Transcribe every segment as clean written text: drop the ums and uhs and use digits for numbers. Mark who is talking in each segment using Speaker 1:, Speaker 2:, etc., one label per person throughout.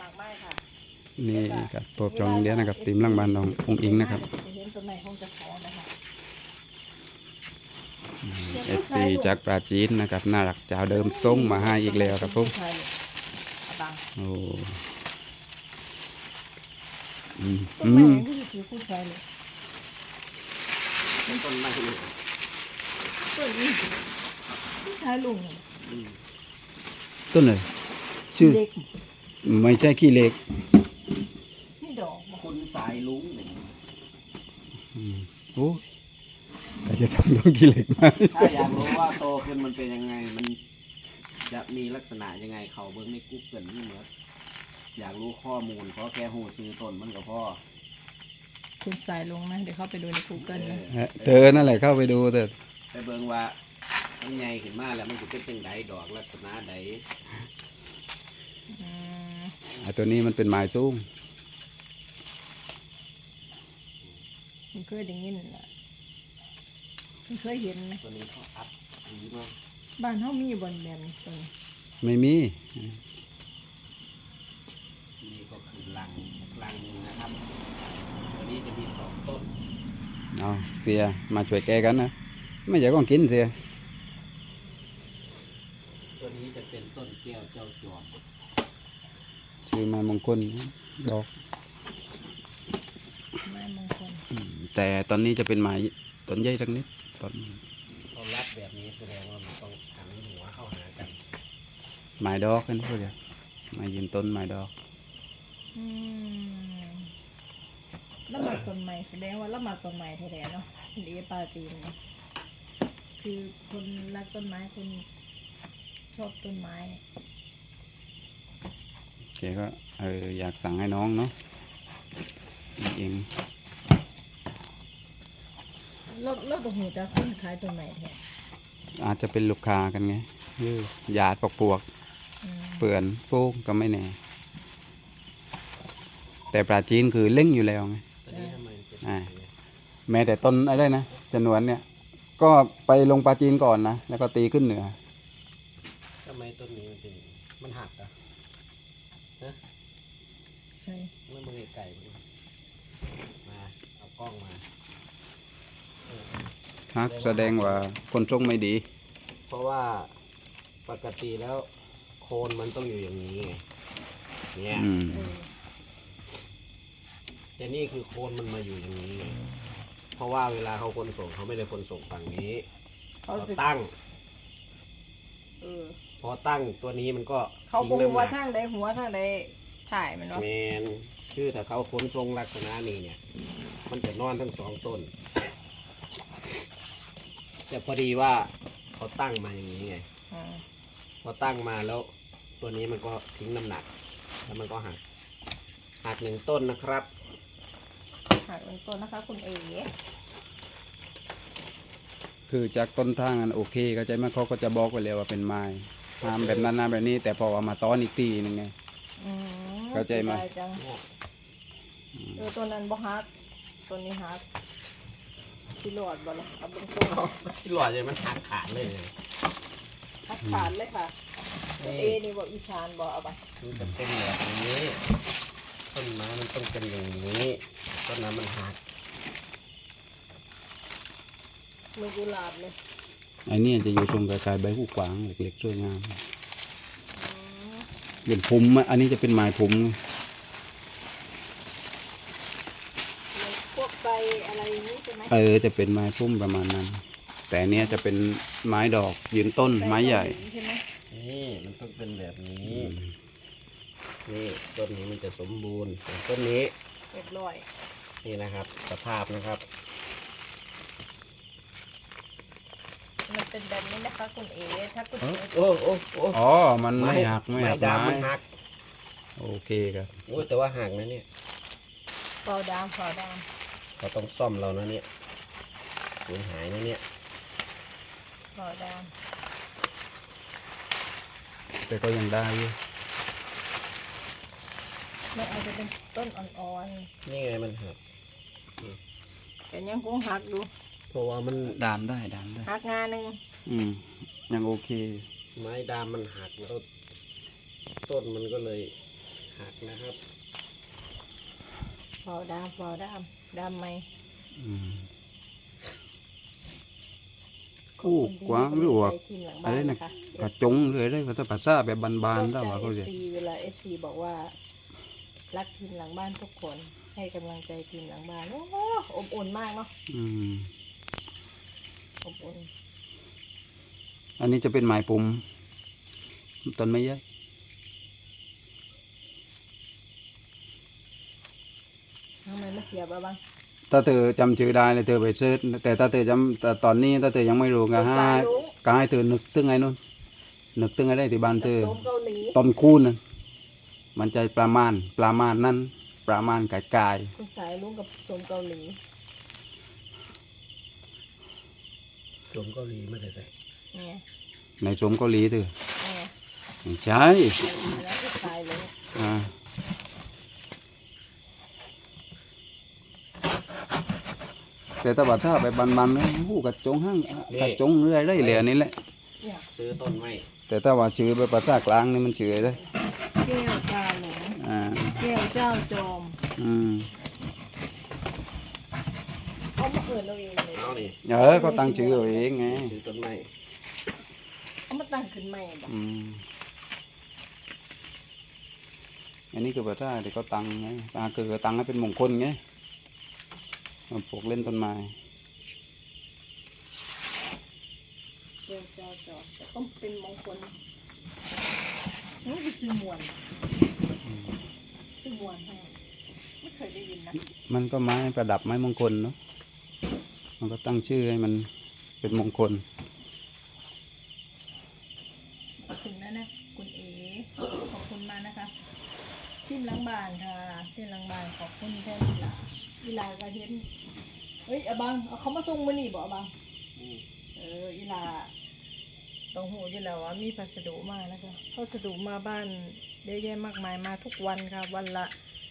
Speaker 1: ากไม้ค่ะ
Speaker 2: นี่ครับปอบจองโรงเรียนนะครับทีมหลังบ้านน้ององอิงนะครับ
Speaker 1: จะเห็นต้นไม้คงจะขอนะคะ
Speaker 2: FC จากปราจีนนะครับน่ารักเจ้าเดิมส่งมาให้อีกแล้วครับผมโอ้อืม
Speaker 1: ต้นไม้ก็คือผู้ชายเลย
Speaker 3: ต้นไม้นี่
Speaker 1: ต้นนี้ผู้ชายลุง
Speaker 2: ต้นอะไรชื่อ
Speaker 1: เล็ก
Speaker 2: ไม่ใช่ขี้เหล็ก
Speaker 1: นี่ดอกบอก
Speaker 3: คุณสายลุงเนี่ย
Speaker 2: โอ้ใครจะส่งต้นขี้เหล็กมา
Speaker 3: ถ้าอยากรู้ว่าโตขึ้นมันเป็นยังไงมันจะมีลักษณะยังไงเขาเบิ้งในกูเกิลนี่เหมือนอยากรู้ข้อมูลเพราะแค่หูซื้อต้นมันกับพ่อ
Speaker 1: คุณสายลุงนะเดี๋ยวเข้าไปดูใน Google นะ
Speaker 2: เธอนั่นแหละเข้าไปดูเถอะ
Speaker 3: ไปเบิ้งว่ามันใหญ่ขึ้นมาแล้วมันจะเป็นจังไดดอกลักษณะใด
Speaker 2: ตัวนี้มันเป็นไม้สูง
Speaker 1: มันเคยได้ยินแหละมันเคยเห็นไหม
Speaker 3: ตัวนี้เขาอัดดีมาก
Speaker 1: บ้านเขามีบนแบบนี้ต้น
Speaker 2: ไม่มี
Speaker 3: นี่ก็คือลังหนึงนะครับตัวนี้จะมี2 ต้น
Speaker 2: เอาเสียมาช่วยแกกันนะไม่อยากก็กินเสีย
Speaker 3: ตัวนี้จะเป็นต้นแก้วเจ้าจอม
Speaker 2: ชื่อไม้มงคลดอก
Speaker 1: ไม้มงคล
Speaker 2: แต่ตอนนี้จะเป็นไม้ต้นใหญ่ทั้งนิดต้น
Speaker 3: เขารัดแบบนี้แสดงว่ามันต้องหันหัวเข้าหากัน
Speaker 2: ไม้ดอกกันพวกเดียวไม้ยืนต้นไม้ดอก
Speaker 1: อืมแล้วมาต้นไม้แสดงว่าแล้วมาต้นไม้แท้ๆเนาะคุณเอปาตีนเนี่ยคือคนรักต้นไม้คนชอบต้นไม้
Speaker 2: แกก็อยากสั่งให้น้องเนาะนี่เอง
Speaker 1: แล้วตัวหูจะคนขายต้นไม้แท้
Speaker 2: อาจจะเป็นลูกค้ากันไงหยาดปวก
Speaker 1: อืม
Speaker 2: เปื่อนฟูกก็ไม่แน่ แต่ปลาจีนคือเล่งอยู่แล้วไง
Speaker 3: ตัวนี้ทำไมเป็น
Speaker 2: อ่า แม้แต่ต้นอะไรนะจนวนเนี่ย ก็ไปลงปลาจีนก่อนนะแล้วก็ตีขึ้นเหนือ
Speaker 3: ทำไมต้นนี้มันเป็นมันหักอ่ะ
Speaker 1: ใช่
Speaker 3: เมื่อมือไก่มาเอากล้องมา
Speaker 2: ฮักแสดงว่าคนทรงไม่ดี
Speaker 3: เพราะว่าปกติแล้วโคนมันต้องอยู่อย่างนี้ไงเนี่ย
Speaker 2: อืม
Speaker 1: เออ
Speaker 3: แต่นี่คือโคนมันมาอยู่อย่างนี้ไงเพราะว่าเวลาเขาขนส่งเขาไม่ได้ขนส่งฝั่งนี้
Speaker 1: เขา
Speaker 3: เขา
Speaker 1: จะ
Speaker 3: ตั้ง
Speaker 1: เออ
Speaker 3: พอตั้งตัวนี้มันก็
Speaker 1: เขา
Speaker 3: ทิ้
Speaker 1: ค
Speaker 3: ง
Speaker 1: ง
Speaker 3: น้ำห
Speaker 1: ว่า
Speaker 3: นัก
Speaker 1: ทางใดหัวทางใดถ่ายมันเนาะ
Speaker 3: แมนคือถ้าเขาขนทรงลักษณะนี้เนี่ย มันจะนอนทั้ง2 ต้น แต่พอดีว่าเขาตั้งมาอย่างนี้ไง
Speaker 1: อืม
Speaker 3: พอตั้งมาแล้ว ตัวนี้มันก็ทิ้งน้ำหนัก แล้วมันก็หัก1 ต้นนะครับ
Speaker 1: หักเป็นต้นนะคะคุณเอ๋
Speaker 2: คือจากต้นทางอันโอเคก็ใจไหมเขาก็จะบอกไว้เลยว่าเป็นไม้ทำแบบนั้นนะแบบนี้ แต่พอเอามาต้อนอีกทีนึงไง
Speaker 1: อืม
Speaker 2: เข้าใจไหม
Speaker 1: สียดยจังตัวนั้นบ่ฮักตัวนี้ฮักที่หลอดบ่เลยเอาเป็นต้น
Speaker 3: ที่หลอดเลยมันหักขาดเลย
Speaker 1: ฮักขาดเลยค่ะคุณเอนี่บอกอีสานบอกเอาไป
Speaker 3: มันจะเป็นแบบนี้ต้นไม้มันต้องเป็นอย่างนี้ต้นน้ำมันหัก
Speaker 1: มือกุหลาบเลย
Speaker 2: ไอ้เนี่ยจะอยู่ตรงกลายๆใบหูกวางเล็กๆสวยงามเป็นพุ่มอะอันนี้จะเป็นไม้พุ่มไง
Speaker 1: พวกใบอะไรอย่างนี้ใช่ไหม
Speaker 2: จะเป็นไม้พุ่มประมาณนั้น แต่อันเนี้ยจะเป็นไม้ดอกยืนต้นไม้ใหญ่
Speaker 1: ใช่ไหม
Speaker 3: นี่มันต้องเป็นแบบนี้ นี่ต้นนี้มันจะสมบูรณ์ส่วนต้นนี้
Speaker 1: เรียบร้อย
Speaker 3: นี่นะครับ สภาพนะครับ
Speaker 1: มันเป็นแบบนี้นะคะคุณเอถ้าคุณเอ
Speaker 3: โอ้โอ้โอ้
Speaker 2: อ๋อ มันไม่หักไม่หัก
Speaker 3: ดำ
Speaker 2: ไม้
Speaker 3: มันหัก
Speaker 2: โอเคครับ
Speaker 3: โอ้ยแต่ว่าหักนะเนี่ย
Speaker 1: เปล่าดามเปล่าดาม
Speaker 3: เราต้องซ่อมเรานะเนี่ยสูญหายนะเนี่ย
Speaker 1: เปล่าดาม
Speaker 2: แต่ก็ยังได้อยู่
Speaker 1: มันอาจจะเป็นต้นอ่อน
Speaker 3: นี่ไงมันหัก
Speaker 1: ๆแต่ยังคงหักอยู่
Speaker 3: เพราะว่ามัน
Speaker 2: ดามได้ดามได้
Speaker 1: หักงาหนึ่ง
Speaker 2: ยังโอเค
Speaker 3: ไม้ดามมันหักแล้วต้นมันก็เลยหักนะครับ
Speaker 1: เบาดำไหม
Speaker 2: กู้กว้างหรือว่า
Speaker 1: ทีมหลัง
Speaker 2: อะ
Speaker 1: บ้า
Speaker 2: ไร
Speaker 1: น
Speaker 2: นะ
Speaker 1: นะคะ
Speaker 2: กระจงเลยได้ภาษาแบบบานๆได้ว่าเขา
Speaker 1: เอ
Speaker 2: จะ
Speaker 1: ฟซีเวลา FC บอกว่า รักทีมหลังบ้านทุกคนให้กำลังใจทีมหลังบ้านโอ้โหอบอุ่นมากเนาะ
Speaker 2: อืม
Speaker 1: อบอุ่น
Speaker 2: อันนี้จะเป็นไม้ปุ่มต้นไม้ใหญ่
Speaker 1: ทำไมไม่เสียบบ้าง
Speaker 2: ถ้าเธอจำชื่อได้เลยเธอไปเสิร์ชแต่ถ้าเธอจำแต่ตอนนี้ถ้าเธอยังไม่รู้ก็ให้เธอนึกถึงไอ้นู่นนึกถึงไอ้ได้ที่บ้านเธอ
Speaker 1: โสมเกาหลี
Speaker 2: ต้นคูนนั่นมันจะประมาณนั้นประมาณกาย
Speaker 1: คุณสายลุงกับโสมเกาหลี
Speaker 3: สมเกาหลีไม่ได้ใส่
Speaker 1: เนี่ย
Speaker 2: ๆในสมเกาหลีเธอ
Speaker 1: เนี่ย
Speaker 2: ไม่ใช่
Speaker 1: แล้วคุณสายลุง
Speaker 2: อ่าแต่ถ้าว่าถ้าไปบันๆนะหูกระจงห้างกระจงเรื่อยได้เลยอันนี้แหละ
Speaker 1: เนี่ย
Speaker 3: ซื้อต้นไม้
Speaker 2: แต่ถ้าว่าชื่อไปภาษากลางนี่มันชื่อได้
Speaker 1: แก้วกาหลง
Speaker 2: อ่า
Speaker 1: แก้วเจ้าจอม
Speaker 2: อืม
Speaker 1: เขามาเอิญเราเองเลย
Speaker 3: เอานี่
Speaker 2: ก็ตั้งชื่อเอาเองไง
Speaker 3: ซื้อต้นไม้
Speaker 1: เขามาตั้งขึ้นใหม่บอก
Speaker 2: อืมอันนี้คือภาษาที่เขาตั้งไงคือตั้งให้เป็นมงคลไงมาปลูกเล่นต้นไม้
Speaker 1: แก้วเจ้าจอมแต่ต้องเป็นมงคลนี่คือซื้อมวนซื้อมวนให้ไม่เคยได้ยินนะ
Speaker 2: มันก็ไม้ประดับไม้มงคลเนาะมันก็ตั้งชื่อให้มันเป็นมงคล
Speaker 1: ขอบคุณนะคุณเอ๋ขอบคุณมากนะคะทีมหลังบ้านค่ะทีมหลังบ้านขอบคุณแทนอีลาก็เห็นเฮ้ยอาบังเอาเขามาส่งมานี่บอกอาบังอีลาต้องหูอยู่แล้วว่ามีพัสดุมานะคะพัสดุมาบ้านเยอะแยะมากมายมาทุกวันค่ะวันละ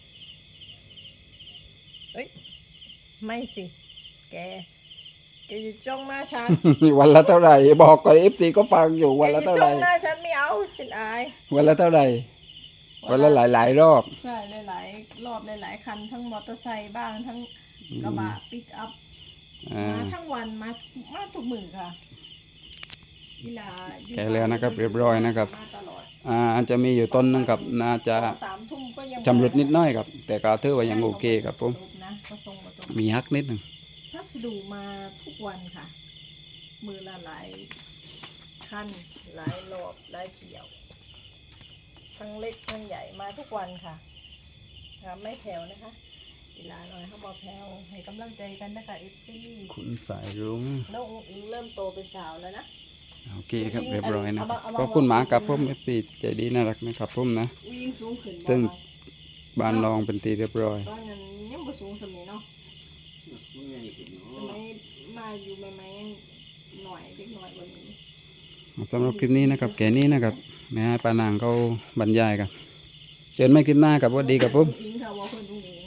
Speaker 1: เอ้ยไม่สิแกจะจ้องหน้าฉัน
Speaker 2: วันละเท่าไหร่บอกก่อนเอฟซีก็ฟังอยู่วันละเท่าไหร่
Speaker 1: แกจะจ้องหน้าฉันไม่เอาฉันอาย
Speaker 2: วันละเท่าไหร่วันละหลายๆรอบ
Speaker 1: ใช่หลายๆรอบหลายๆคันทั้งมอเตอร์ไซค์บ้างทั้งกระบะปิกอัพ
Speaker 2: อ่า
Speaker 1: มาทั้งวันมาทุกมื้อค่ะเวลาอยู่
Speaker 2: แกะแล้วนะครับเรียบร้อยนะครับ
Speaker 1: มาตลอด
Speaker 2: อาจจะมีอยู่ต้นนึงกับน่าจะ
Speaker 1: 3 ทุ่มก็ยัง
Speaker 2: ชำรุดนิดหน้อยครับ แต่ก็ถือว่ายังโอเคครับผม
Speaker 1: นะก็ส่งมาตรง
Speaker 2: มีฮักนิดหนึ่ง
Speaker 1: พัสดุมาทุกวันค่ะ มือละหลายคันหลายรอบหลายเกี่ยว ทั้งเล็กทั้งใหญ่มาทุกวันค่ะไม่แผ่วนะคะเวลาหน่อยเขาบอกแผ่วให้กำลังใจกันนะคะเอฟซี
Speaker 2: คุณสายรุ้ง
Speaker 1: น้องอิงเริ่มโตเป็นสาวแล้วนะ
Speaker 2: โอเคครับเรียบร้อยนะครับ
Speaker 1: เอามา
Speaker 2: ขอบคุณหมากับผมเอฟซีใจดีน่ารักนะครับผมนะ
Speaker 1: วิ่งสูงขึ้น
Speaker 2: ซึ่ง
Speaker 1: บ้าง
Speaker 2: บ้านรองเป็นตีเรียบร้อย
Speaker 1: ตอนนั้นยังบ่สูงสมัยเนาะ
Speaker 3: มันใหญ่ขึ้น
Speaker 1: ส
Speaker 3: เนาะ
Speaker 1: มัยมาอยู่ใหม่ๆยังหน่อยเล็กน้อยกว่านี้
Speaker 2: สำหรับคลิปนี้นะครับแกนี้นะครับแม่ให้ปานางเขาบรรยายกันเชิญไม่คลิปหน้ากับว่าดีกับผม
Speaker 1: อิงค่ะว่าคนตรงนี้